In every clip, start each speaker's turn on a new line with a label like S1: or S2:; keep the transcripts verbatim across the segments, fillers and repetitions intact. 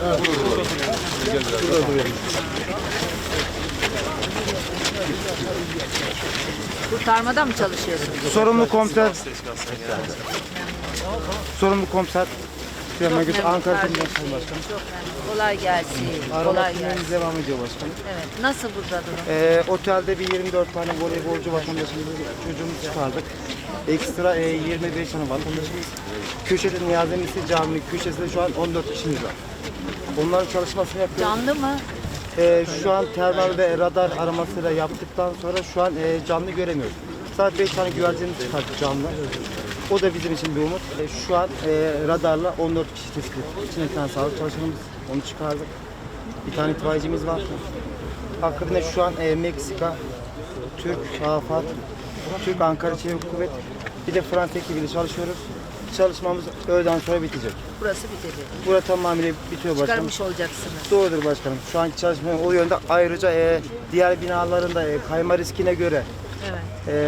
S1: Kurtarmada mı çalışıyorsun?
S2: Sorumlu komiser. Sorumlu komiser.
S1: Çok memnun
S2: Ankara
S1: kardeşim.
S2: Sayın Başkanım.
S1: Çok memnun. Kolay gelsin.
S2: Arama
S1: Kolay
S2: tümümüz
S1: gelsin.
S2: devam ediyor başkanım.
S1: Evet. Nasıl burada durum?
S2: Ee, otelde bir yirmi dört tane voleybolcu vatandaşımız, çocuğumuzu çıkardık. Ekstra e, yirmi beş tane vatandaşımız. Köşede Niyazi Misli Camii köşesinde şu an on dört kişimiz var. Onların çalışmasını yapıyoruz.
S1: Canlı mı?
S2: Ee, şu an termal ve radar aramasıyla yaptıktan sonra şu an e, canlı göremiyoruz. Sadece beş tane güvercinimiz çıkarttık canlı. O da bizim için bir umut. E, şu an e, radarla on dört kişi tespit ettik. İçinde bir tane sağlık çalışanımız, onu çıkardık. Bir tane itfaiyecimiz var. Akabinde şu an e, Meksika, Türk, AFAD, Türk Ankara Çevik Kuvvet, bir de Fransa ekibiyle çalışıyoruz. Çalışmamız öğleden sonra bitecek.
S1: Burası bitecek.
S2: Burada tamamıyla bitiyor başkanım.
S1: Çıkarmış olacaksınız.
S2: Doğrudur başkanım. Şu anki çalışma o yönde. Ayrıca e, diğer binaların da e, kayma riskine göre
S1: Evet.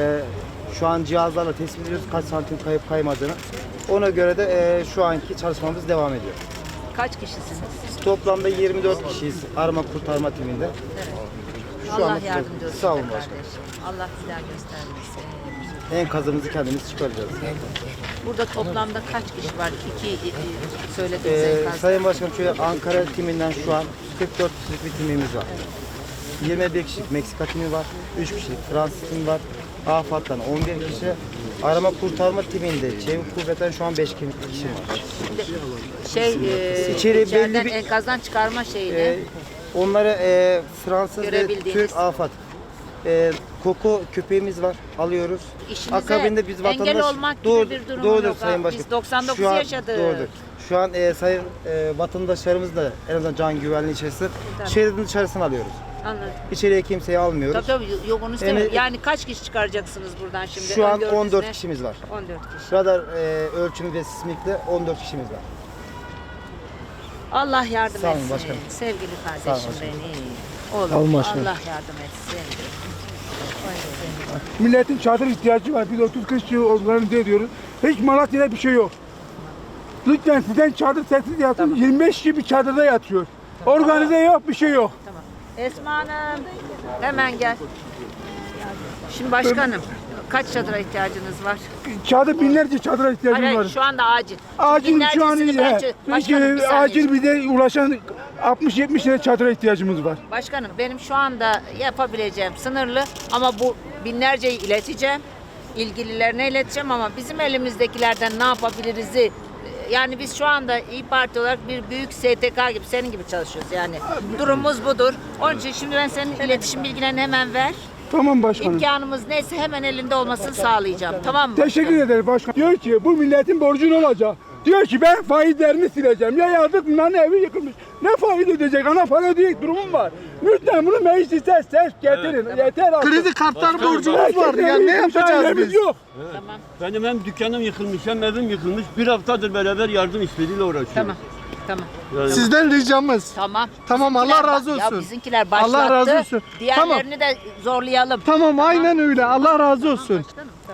S2: e, şu an cihazlarla tespit ediyoruz kaç santim kayıp kaymadığını. Ona göre de e, şu anki çalışmamız devam ediyor.
S1: Kaç kişisiniz?
S2: Toplamda yirmi dört kişiyiz arama kurtarma timinde.
S1: Evet.
S2: Şu
S1: Allah
S2: an
S1: yardımcı olsun.
S2: sağ olun
S1: be
S2: başkanım.
S1: kardeşim. Allah silah göstermesin.
S2: Enkazımızı kendimiz çıkaracağız.
S1: Burada toplamda kaç kişi var? İki e, e, söylediniz
S2: Ee,
S1: enkaz.
S2: Sayın Başkanım şöyle Ankara timinden şu an kırk dört kişilik bir timimiz var. yirmi bir kişilik Meksika timi var. üç kişilik Fransız timi var. AFAD'dan on bir kişi. Arama kurtarma timinde Çevik Kuvvet'ten şu an beş kişi var.
S1: Şey, e,
S2: İçeri
S1: içeriden
S2: belli bir-
S1: enkazdan çıkarma şeyini.
S2: Ee, onları e, Fransız ve
S1: Görebildiğiniz.
S2: Türk AFAD. E, koku köpeğimiz var. Alıyoruz.
S1: İşinize
S2: Akabinde biz vatandaş...
S1: engel olmak gibi
S2: Doğru-
S1: bir durum
S2: doğrudur
S1: yok.
S2: Sayın
S1: ha.
S2: Başkanım.
S1: Biz doksan dokuz
S2: Şu an-
S1: yaşadık.
S2: Doğrudur. Şu an e, sayın e, vatandaşlarımız da en azından can güvenliği içerisinde
S1: Tabii.
S2: şeridin dışarısını alıyoruz.
S1: Anladım.
S2: İçeriye kimseyi almıyoruz.
S1: Tabii tabii yok onu istemiyorum.
S2: Yani-
S1: Yani kaç kişi çıkaracaksınız buradan şimdi?
S2: Şu an
S1: Öngördüğünüz
S2: on dört
S1: ne?
S2: kişimiz var.
S1: on dört kişi.
S2: Radar e, ölçümü ve sismikle on dört kişimiz var.
S1: Allah yardım
S2: Sağ olun
S1: etsin.
S2: başkanım.
S1: Sevgili
S2: Sağ olun
S1: kardeşim
S2: başkanım.
S1: benim. Oğlum
S3: Sağ olun başkanım.
S1: Allah yardım etsin. Vay be.
S3: Milletin çadır ihtiyacı var. Biz otuz kırk yıl organize ediyoruz. Hiç Malatya'da bir şey yok. Lütfen sizden çadır sessiz yatın.
S1: Tamam.
S3: yirmi beş kişi bir çadırda yatıyor. Organize yok, bir şey yok.
S1: Tamam. Esma Hanım hemen gel. Şimdi başkanım kaç çadıra ihtiyacınız var?
S3: Çadır binlerce çadıra ihtiyacımız
S1: Hayır,
S3: var.
S1: hayır, şu anda acil.
S3: Acil şu an
S1: Binlercesini
S3: he,
S1: bence- Başkanım, bir
S3: Peki,
S1: saniye.
S3: acil bize ulaşan altmış yetmiş lira çadıra ihtiyacımız var.
S1: Başkanım benim şu anda yapabileceğim sınırlı ama bu binlerceyi ileteceğim. İlgililerine ileteceğim ama bizim elimizdekilerden ne yapabiliriz'i yani biz şu anda İYİ Parti olarak bir büyük S T K gibi senin gibi çalışıyoruz yani. Durumumuz budur. Onun için şimdi ben senin iletişim bilgilerini hemen ver.
S3: Tamam başkanım.
S1: İmkanımız neyse hemen elinde olmasını sağlayacağım. Tamam mı?
S3: Teşekkür ederim başkan. Diyor ki bu milletin borcu ne olacak? Diyor ki ben faizlerini sileceğim. Ya yazık bunların evi yıkılmış. Ne faiz ödeyecek? Ana para ödeyecek durumum var. Lütfen bunu meclise ses getirin. Yeter artık.
S4: Kredi kartları borcumuz
S3: Herkesin
S4: var ya
S3: evi
S4: ne
S3: yıkılmış,
S4: yapacağız
S3: evimiz
S4: biz?
S3: Yok.
S1: Tamam.
S5: Benim hem dükkanım yıkılmış hem evim yıkılmış. Bir haftadır beraber yardım işleriyle uğraşıyoruz.
S1: Tamam. Tamam.
S5: Yani
S4: Sizden ricamız.
S1: Tamam.
S4: Tamam, Allah
S1: Bizimkiler
S4: razı
S1: bak- Ya
S4: olsun.
S1: bizimkiler başlattı.
S4: Allah razı olsun.
S1: Diğerlerini de zorlayalım.
S4: Tamam aynen öyle. Allah razı olsun.